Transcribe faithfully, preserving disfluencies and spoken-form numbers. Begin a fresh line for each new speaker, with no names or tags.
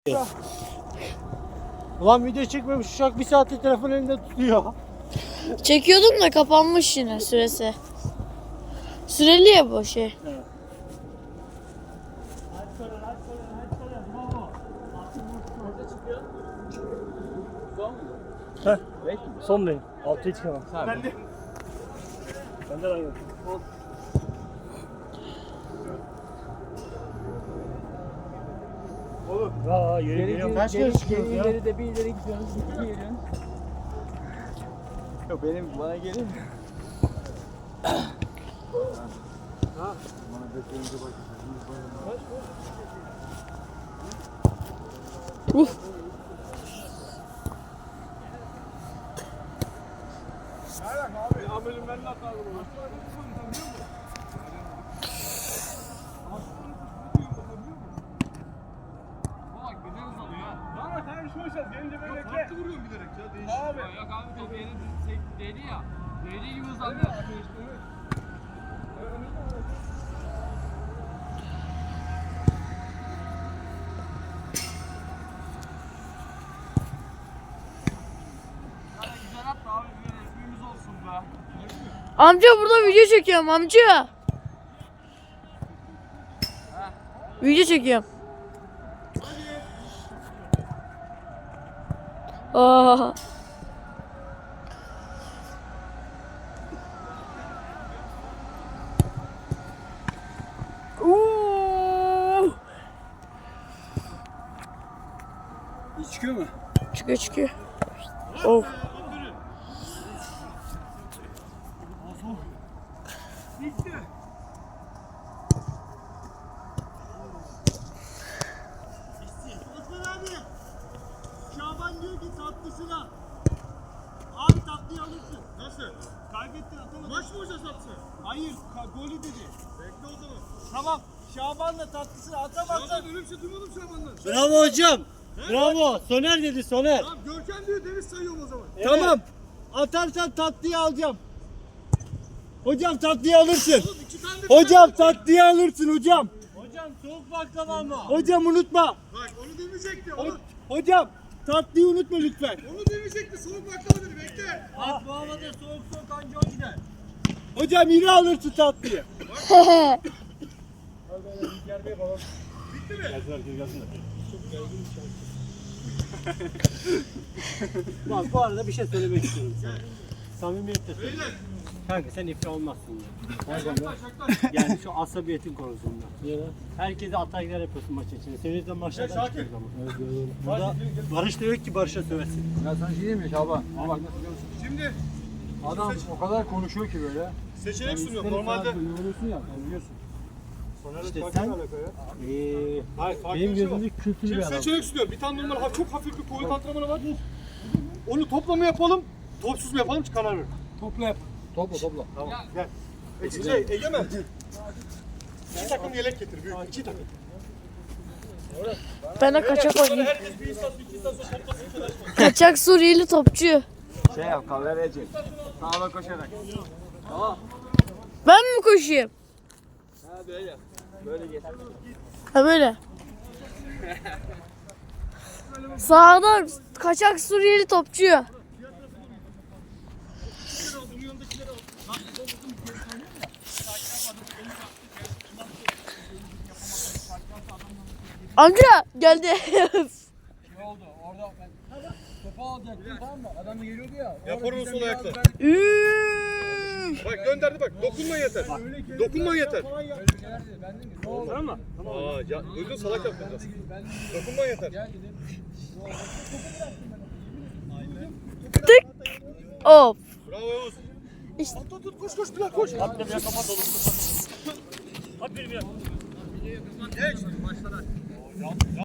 Ulan video çekmemiş uşak bir saattir telefon elinde tutuyor.
Çekiyordum da kapanmış yine süresi. Süreli ya bu şey.
Evet. Heh, son değil. Altıya çıkamam. Ben de. Ben de aynı. Olur. Aa, yürü geliyorum. Kaç kere çıkıyoruz ya?
İleri de bir ileri gidiyorsunuz, bir ileri gidiyorsunuz. Yok benim bana gelin. Ha. Bana bekleyince bak.
Uf.
Abi amelim ben de atarım. Gelince böyle bekle. Farklı vuruyorum bilerek ya. Değişik. Abi. Yok abi top yeni değdi ya. Değdiği gibi hızlandı. Güzel atma abi. Resmimiz olsun be.
Amca burada video çekiyorum amca. Video çekiyorum. Aa. Uuu.
Çıkıyor mu?
Çıkıyor çıkıyor. Oh.
Bitti. Osman abi. Şaban diyor ki tatlısına. Abi tatlıyı alırsın. Nasıl? Kaybettin atamadın. Maç mı hoca sattı? Hayır. Golü dedi. Bekle o zaman. Tamam. Şaban'la tatlısını atamazsan. Şaban öyle bir şey duymadım Şaban'dan. Bravo hocam. He? Bravo. Soner dedi Soner. Tamam Görkem diyor Deniz sayıyorum o zaman. Evet. Tamam. Atarsan tatlıyı alacağım. Hocam tatlıyı alırsın. Oğlum, iki tane de hocam tatlıyı alırsın hocam. Hocam soğuk baklava mı? Hocam unutma. Bak onu demeyecekti. Onu... Hocam tatlıyı unutma lütfen. Onu demeyecekti. Soğuk baklava dedi. Bekle. Bak bu havada soğuk soğuk anca o gider. Hocam yine alırsın tatlıyı. Bitti mi? Gelsin herkes gelsin de. Çok geldim Bak bu arada bir şey söylemek istiyorum sana. Samimiyetle söylüyorum. Kanka sen iflah olmazsın ya. Yani şu asabiyetin konusunda. Herkese ataklar yapıyorsun maç içinde. Senin yüzünden maçlardan çıkıyoruz ama. Burada Barış da yok ki Barış'a söversin.
Ya sen şey diyeyim mi Şaban? Ama bak nasıl biliyor musun? Şimdi adam o kadar konuşuyor ki böyle.
Seçenek
Yani
sunuyor.
ister
Normalde
istemez yoruluyorsun ya, sen biliyorsun.
İşte sen eee benim gözümde kültürlü bir adam.
Seçenek sunuyor. Bir tane normal çok hafif bir kuvvet antrenmanı var. Onu topla mı yapalım, topsuz mu yapalım ki karar ver.
Topla yap. Topla topla.
Tamam. Gel. E, şey, Egemen. İki takım yelek getir. Büyük. İki takım.
Ben de kaçak oynayayım.
Herkes bir istasyon, iki istasyon toplasın.
Kaçak Suriyeli topçu.
Şey yap, kameraya çek. Sağla koşarak. Tamam.
Ben mi koşayım?
Ha böyle. Böyle geç.
Ha böyle. Sağda kaçak Suriyeli topçu. Amca geldi.
Ne oldu? Orada ben topu alacaktım tamam mı? Adam geliyordu ya.
Yapar onu sol ayakla.
Üüüü.
Bak gönderdi bak. Dokunma yeter. Dokunma yeter.
Öyle bir şeyler dedi. Ben dedim ne oldu?
Tamam mı?
Aa, ya, duydun salak yaptın biraz. Dokunma yeter.
Gel dedim.
Tık. Of.
Bravo Yavuz.
İşte.
Tut tut koş koş Bilal koş.
At bir kapat oğlum. At bir bir.
Geç.